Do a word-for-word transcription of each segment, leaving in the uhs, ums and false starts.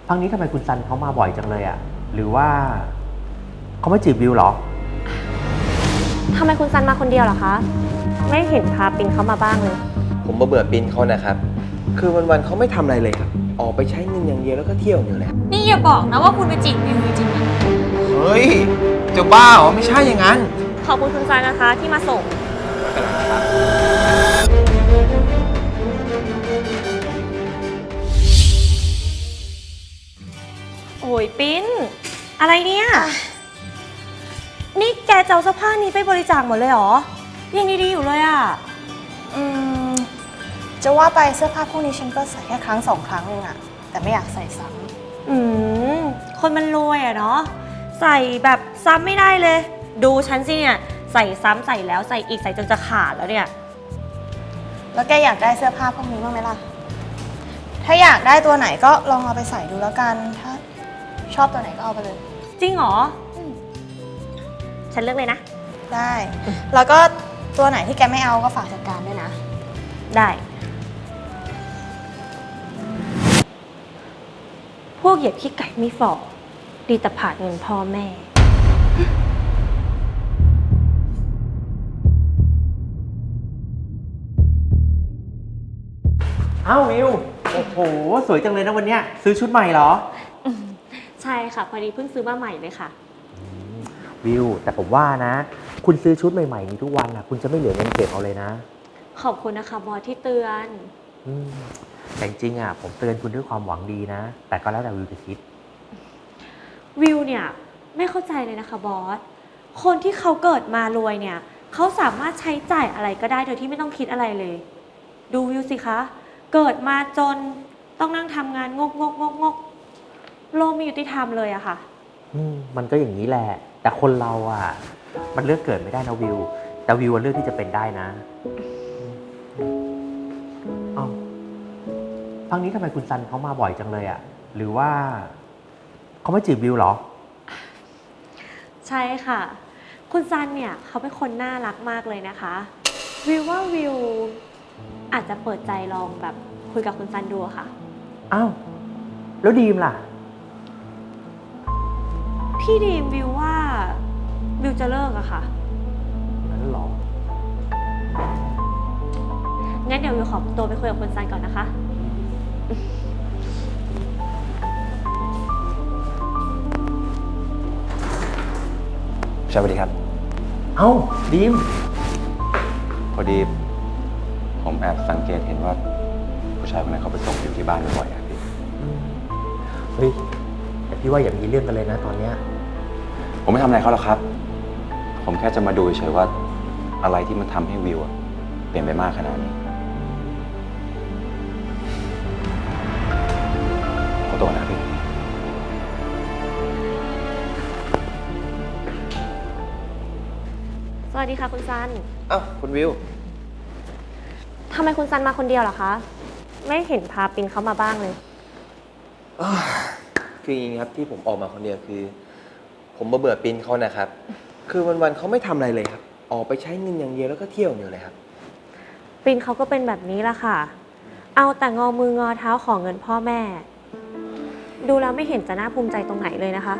พักนี้ทำไมคุณซันเขามาบ่อยจังเลยอะหรือว่าเขาไม่จีบวิวหรอทำไมคุณซันมาคนเดียวเหรอคะไม่เห็นพาปินเขามาบ้างเลยผมมาเบื่อปินเขานะครับคือวันๆเขาไม่ทำอะไรเลยครับออกไปใช้เงินอย่างเดียวแล้วก็เที่ยวอยู่เลยนี่อย่าบอกนะว่าคุณไปจีบวิวจริงๆนะเฮ้ยจะบ้าเหรอไม่ใช่อย่างนั้นขอบคุณคุณซันนะคะที่มาส่งไม่เป็นไรครับโอ้ยปิ้นอะไรเนี่ยนี่แกจะเอาเสื้อผ้านี้ไปบริจาคหมดเลยเหรอยังดีๆอยู่เลยอ่ะอืมจะว่าไปเสื้อผ้าพวกนี้ฉันก็ใส่แค่ครั้งสองครั้งเองอะแต่ไม่อยากใส่ซ้ำอืมคนมันรวยอะเนาะใส่แบบซ้ำไม่ได้เลยดูฉันสิเนี่ยใส่ซ้ำใส่แล้วใส่อีกใส่จนจะขาดแล้วเนี่ยแล้วแกอยากได้เสื้อผ้าพวกนี้บ้างไหมล่ะถ้าอยากได้ตัวไหนก็ลองเอาไปใส่ดูแล้วกันถ้าชอบตัวไหนก็เอาไปเลยจริงเหรอฉันเลือกเลยนะได้แล้วก็ตัวไหนที่แกไม่เอาก็ฝากจัดการด้วยนะได้พวกเหยียบขี้ไก่ไม่ฝ่อดีแต่ผาดเงินพ่อแม่อ้าววิวโอ้โหสวยจังเลยนะวันเนี้ยซื้อชุดใหม่เหรอใช่ค่ะพอดีเพิ่งซื้อมาใหม่เลยค่ะวิวแต่ผมว่านะคุณซื้อชุดใหม่ๆนี้ทุกวันนะคุณจะไม่เหลือเงินเก็บเอาเลยนะขอบคุณนะคะบอสที่เตือนแต่จริงๆอ่ะผมเตือนคุณด้วยความหวังดีนะแต่ก็แล้วแต่วิวจะคิดวิวเนี่ยไม่เข้าใจเลยนะคะบอสคนที่เขาเกิดมารวยเนี่ยเขาสามารถใช้จ่ายอะไรก็ได้โดยที่ไม่ต้องคิดอะไรเลยดูวิวสิคะเกิดมาจนต้องนั่งทำงานงกงกงกงกโลกไม่ยุติธรรมเลยอะค่ะอืมมันก็อย่างนี้แหละแต่คนเราอ่ะมันเลือกเกิดไม่ได้นะวิวแต่วิวเลือกที่จะเป็นได้นะอ้าวพักนี้ทำไมคุณซันเขามาบ่อยจังเลยอ่ะหรือว่าเขาไม่จีบวิวหรอใช่ค่ะคุณซันเนี่ยเขาเป็นคนน่ารักมากเลยนะคะวิวว่าวิวอาจจะเปิดใจลองแบบคุยกับคุณซันดูค่ะอ้าวแล้วดีมล่ะพี่ดีมวิวว่าวิวจะเลิกอะค่ะนั้นหรองั้นเดี๋ยววิวขอตัวไปคุยกับคุณซันก่อนนะคะสวัสดีครับเอ้าดีมพอดีผมแอบสังเกตเห็นว่าผู้ชายคนนั้นเขาไปส่งอยู่ที่บ้านบ่อยๆครับพี่เฮ้ยแต่พี่ว่าอย่ามีเรื่องกันเลยนะตอนเนี้ยผมไม่ทำอะไรเขาหรอกครับผมแค่จะมาดูเฉยๆว่าอะไรที่มันทำให้วิวเปลี่ยนไปมากขนาดนี้ขอตัวนะพี่สวัสดีค่ะคุณซันอ้าวคุณวิวทำไมคุณซันมาคนเดียวเหรอคะไม่เห็นพาปินเขามาบ้างเลยคืออย่างนี้ครับที่ผมออกมาคนเดียวคือผมมาเบื่อปินเขานะครับคือวันๆเขาไม่ทำอะไรเลยครับออกไปใช้เงินอย่างเดียวแล้วก็เที่ยวอยู่เลยครับปินเขาก็เป็นแบบนี้ละค่ะเอาแต่งอมืองอเท้าของเงินพ่อแม่ดูแล้วไม่เห็นจะน่าภูมิใจตรงไหนเลยนะคะ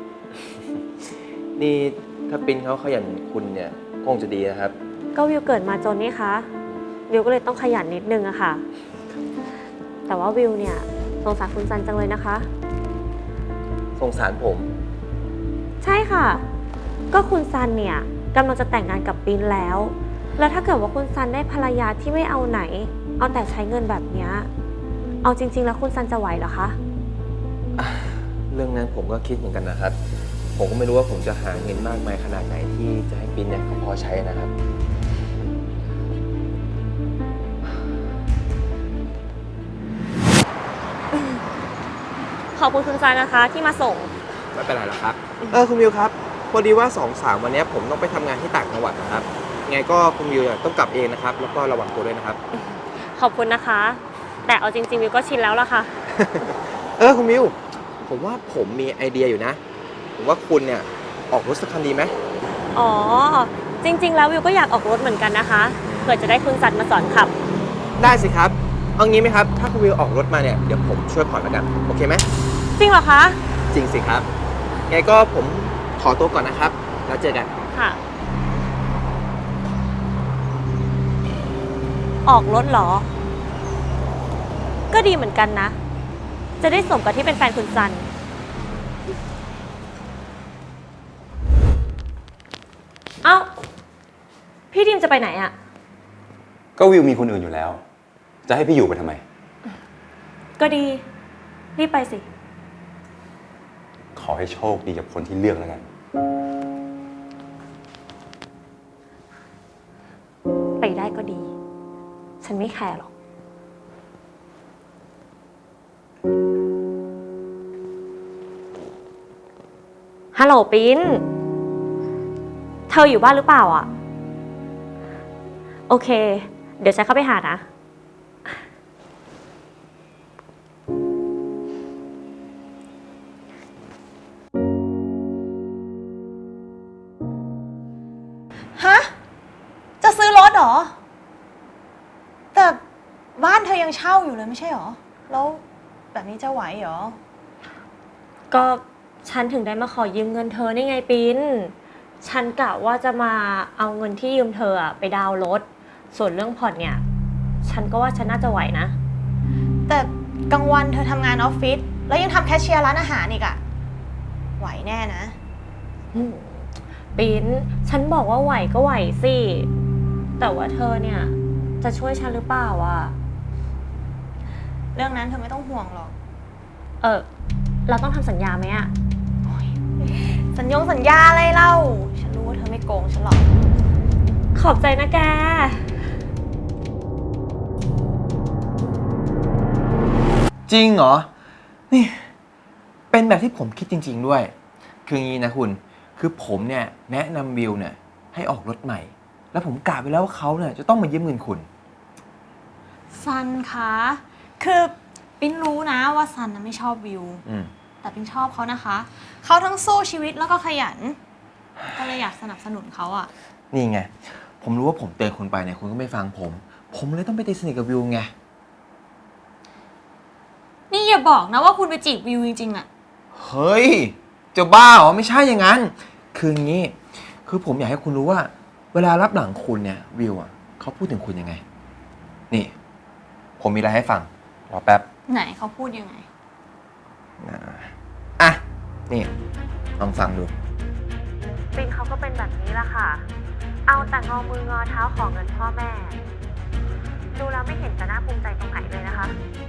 นี่ถ้าปินเขาขยันคุณเนี่ยคงจะดีนะครับก็วิวเกิดมาจนนี่คะวิวก็เลยต้องขยันนิดนึงอะค่ะแต่ว่าวิวเนี่ยสงสารคุณซันจังเลยนะคะสงสารผมใช่ค่ะก็คุณซันเนี่ยกำลังจะแต่งงานกับปินแล้วแล้วถ้าเกิดว่าคุณซันได้ภรรยาที่ไม่เอาไหนเอาแต่ใช้เงินแบบนี้เอาจริงๆแล้วคุณซันจะไหวเหรอคะเรื่องนั้นผมก็คิดเหมือนกันนะครับผมก็ไม่รู้ว่าผมจะหาเงินมากมายขนาดไหนที่จะให้ปินเนี่ยเขาพอใช้นะครับขอบคุณคุณซันนะคะที่มาส่งไม่เป็นไรหรอกครับเออคุณวิวครับพอดีว่าสองสามวันนี้ผมต้องไปทำงานที่ต่างจังหวัดนะครับไงก็คุณวิวต้องกลับเองนะครับแล้วก็ระวังตัวด้วยนะครับขอบคุณนะคะแต่เอาจริงๆวิวก็ชินแล้วล่ะค่ะเออคุณวิวผมว่าผมมีไอเดียอยู่นะผมว่าคุณเนี่ยออกรถสักคันดีไหมอ๋อจริงๆแล้ววิวก็อยากออกรถเหมือนกันนะคะเผื่อจะได้คุณซันมาสอนขับได้สิครับเอางี้ไหมครับถ้าคุณวิวออกรถมาเนี่ยเดี๋ยวผมช่วยผ่อนแล้วกันโอเคไหมจจริงเหรอคะจริงสิครับ ไงก็ผมขอตัวก่อนนะครับ แล้วเจอกันค่ะ ออกรถเหรอ ก็ดีเหมือนกันนะ จะได้สมกับที่เป็นแฟนคุณซัน เอ้า พี่ดิมจะไปไหนอะก็วิวมีคนอื่นอยู่แล้ว จะให้พี่อยู่ไปทำไมก็ดี รีบไปสิขอให้โชคดีกับคนที่เลือกแล้วกันไปได้ก็ดี ฉันไม่แคร์หรอก ฮัลโหลปิ้น เธออยู่บ้านหรือเปล่าอ่ะ โอเค เดี๋ยวฉันเข้าไปหานะฮะ จะซื้อรถเหรอ แต่บ้านเธอยังเช่าอยู่เลยไม่ใช่เหรอ แล้วแบบนี้จะไหวเหรอก็ฉันถึงได้มาขอยืมเงินเธอนี่ไงปิ้น ฉันกะว่าจะมาเอาเงินที่ยืมเธออะไปดาวน์รถ ส่วนเรื่องผ่อนเนี่ย ฉันก็ว่าฉันน่าจะไหวนะแต่กลางวันเธอทำงานออฟฟิศแล้วยังทำแคชเชียร์ร้านอาหารอีกอะไหวแน่นะอืมปิ้น ฉันบอกว่าไหวก็ไหวสิ แต่ว่าเธอเนี่ย จะช่วยฉันหรือเปล่าอ่ะเรื่องนั้นเธอไม่ต้องห่วงหรอกเออ เราต้องทำสัญญาไหมอ่ะสัญญงสัญญาอะไรเล่า ฉันรู้ว่าเธอไม่โกงฉันหรอกขอบใจนะแกจริงเหรอ นี่ เป็นแบบที่ผมคิดจริง ๆ ด้วย คืองี้นะคุณ คือผมเนี่ยแนะนำวิวเนี่ยให้ออกรถใหม่ แล้วผมกะไปแล้วว่าเขาเนี่ยจะต้องมายืมเงินคุณซันคะ คือปิ้นรู้นะว่าซันนะไม่ชอบวิวอืมแต่ปิ้นชอบเขานะคะ เขาทั้งสู้ชีวิตแล้วก็ขยัน ก็เลยอยากสนับสนุนเขาอะนี่ไง ผมรู้ว่าผมเตือนคุณไปเนี่ยคุณก็ไม่ฟังผม ผมเลยต้องไปตีสนิทกับวิวไงนี่อย่าบอกนะว่าคุณไปจีบวิวจริงๆอะเฮ้ย จะบ้าเหรอ ไม่ใช่อย่างนั้น คืองี้ คือผมอยากให้คุณรู้ว่า เวลารับหลังคุณเนี่ยวิวอ่ะเขาพูดถึงคุณยังไง นี่ ผมมีอะไรให้ฟัง รอแป๊บไหนเขาพูดยังไงนะอ่ะ นี่ลองฟังดูปินเขาก็เป็นแบบนี้แหละค่ะ เอาแต่งอมืองอเท้าของเงินพ่อแม่ ดูแล้วไม่เห็นจะน่าภูมิใจตรงไหนเลยนะคะ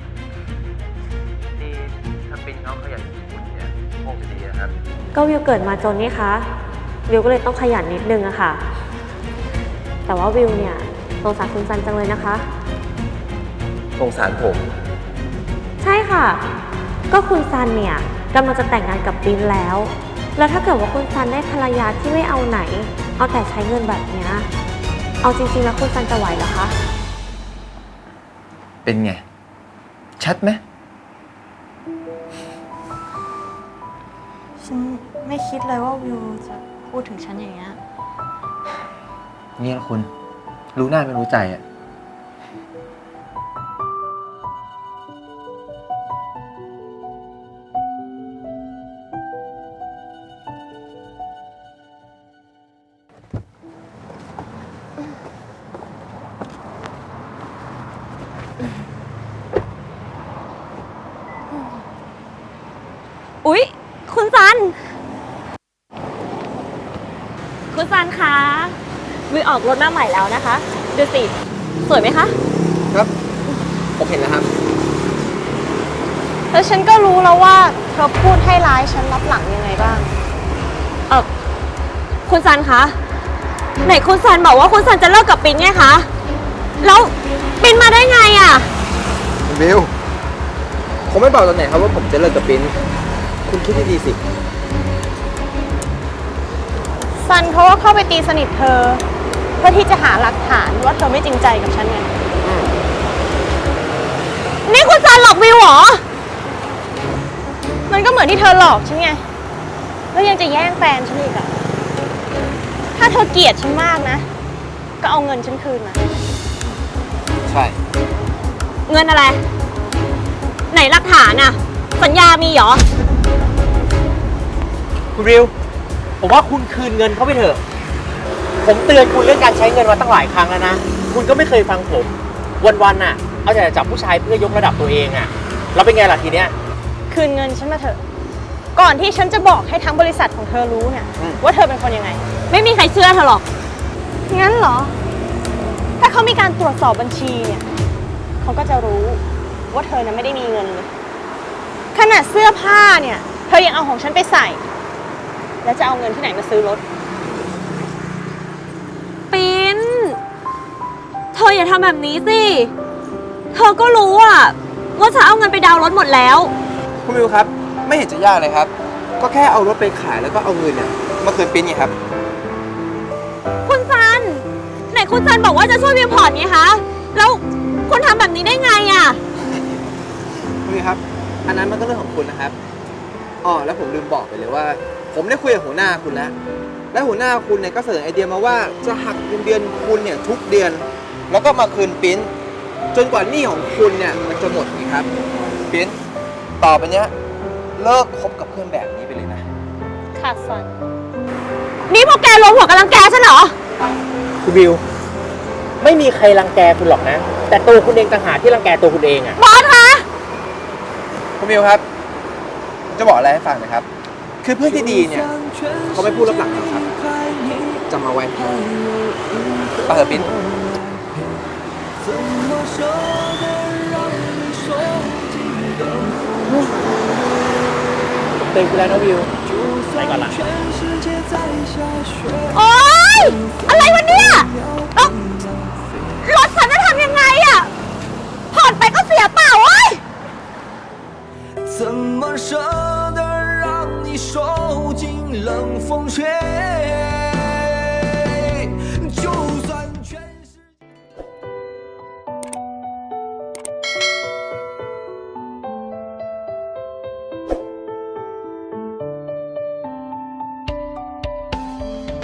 นี่ถ้าเป็นเขาขยันคุณเนี่ยคงจะดีนะครับก็วิวเกิดมาจนนี่คะวิวก็เลยต้องขยันนิดนึงอะค่ะ แต่ว่าวิวเนี่ยสงสารคุณซันจังเลยนะคะสงสารผมใช่ค่ะ ก็คุณซันเนี่ยกำลังจะแต่งงานกับปินแล้ว แล้วถ้าเกิดว่าคุณซันได้ภรรยาที่ไม่เอาไหน เอาแต่ใช้เงินแบบเนี้ยเอาจริงๆแล้วคุณซันจะไหวเหรอคะเป็นไง ชัดไหมฉันไม่คิดเลยว่าวิวจะพูดถึงฉันอย่างเงี้ยเนี่ยคุณ รู้หน้าไม่รู้ใจอ่ะอุ๊ย คุณซัน คุณซันคะวิวออกรถมาใหม่แล้วนะคะ ดูสิ สวยไหมคะครับ ผมเห็นแล้วครับแล้วฉันก็รู้แล้วว่าเธอพูดให้ร้ายฉันรับหลังยังไงบ้างเออคุณซันคะ ไหนคุณซันบอกว่าคุณซันจะเลิกกับปินไงคะ แล้วปินมาได้ไงอะวิว ผมไม่บอกตอนไหนครับว่าผมจะเลิกกับปิ้น คุณคิดดีๆสิซันเขาก็เข้าไปตีสนิทเธอ เพื่อที่จะหาหลักฐานว่าเธอไม่จริงใจกับฉันไงนี่คุณซันหลอกวิวเหรอมันก็เหมือนที่เธอหลอกฉันไง แล้วยังจะแย่งแฟนฉันอีกอะถ้าเธอเกลียดฉันมากนะ ก็เอาเงินฉันคืนมาใช่เงินอะไร ไหนหลักฐานอะสัญญามีเหรอมคุณวิว ผมว่าคุณคืนเงินเขาไปเถอะ ผมเตือนคุณเรื่องการใช้เงินมาตั้งหลายครั้งแล้วนะ คุณก็ไม่เคยฟังผม วันๆน่ะ เอาแต่จับผู้ชายเพื่อยกระดับตัวเองอะแล้วเป็นไงล่ะทีเนี้ยคืนเงินฉันมาเถอะ ก่อนที่ฉันจะบอกให้ทั้งบริษัทของเธอรู้เนี่ยอืมว่าเธอเป็นคนยังไงไม่มีใครเชื่อเธอหรอกงั้นเหรอ ถ้าเขามีการตรวจสอบบัญชีเนี่ยเขาก็จะรู้ว่าเธอนั้นไม่ได้มีเงินเลย ขนาดเสื้อผ้าเนี่ย เธอยังเอาของฉันไปใส่ แล้วจะเอาเงินที่ไหนมาซื้อรถปิ้น เธออย่าทำแบบนี้สิ เธอก็รู้อะว่าฉันเอาเงินไปดาวน์รถหมดแล้วคุณวิวครับ ไม่เห็นจะยากเลยครับ ก็แค่เอารถไปขายแล้วก็เอาเงินเนี่ยมาคืนปิ้นไงครับคุณซัน ไหนคุณซันบอกว่าจะช่วยวิวพอร์ตไงคะ แล้วคุณทำแบบนี้ได้ไงอะคุณวิวครับ อันนั้นมันก็เรื่องของคุณนะครับอ๋อแล้วผมลืมบอกไปเลยว่า ผมได้คุยกับหัวหน้าคุณแล้ว และหัวหน้าคุณเนี่ยก็เสนอไอเดียมาว่าจะหักเงินเดือนคุณเนี่ยทุกเดือน แล้วก็มาคืนปิ้น จนกว่าหนี้ของคุณเนี่ยมันจะหมดนี่ครับปิ้น ต่อไปเนี้ยเลิกคบกับเพื่อนแบบนี้ไปเลยนะค่ะซันนี่พวกแกรวมหัวกันรังแกฉันเหรอคุณวิว ไม่มีใครรังแกคุณหรอกนะ แต่ตัวคุณเองต่างหากที่รังแกตัวคุณเองอะบอสคะคุณวิวครับ จะบอกอะไรให้ฟังนะครับ คือเพื่อนที่ดีเนี่ยเขาไม่พูดรับหลังนะครับจำเอาไว้ไปเถอะปิ้นเตือนคุณแล้วนะวิว ไปก่อนละโอ๊ย อะไรวะเนี่ยเอ้า รถฉันจะทำยังไงอะผ่อนไปก็เสียเปล่าเว้ย怎么舍得让你受尽冷风雪？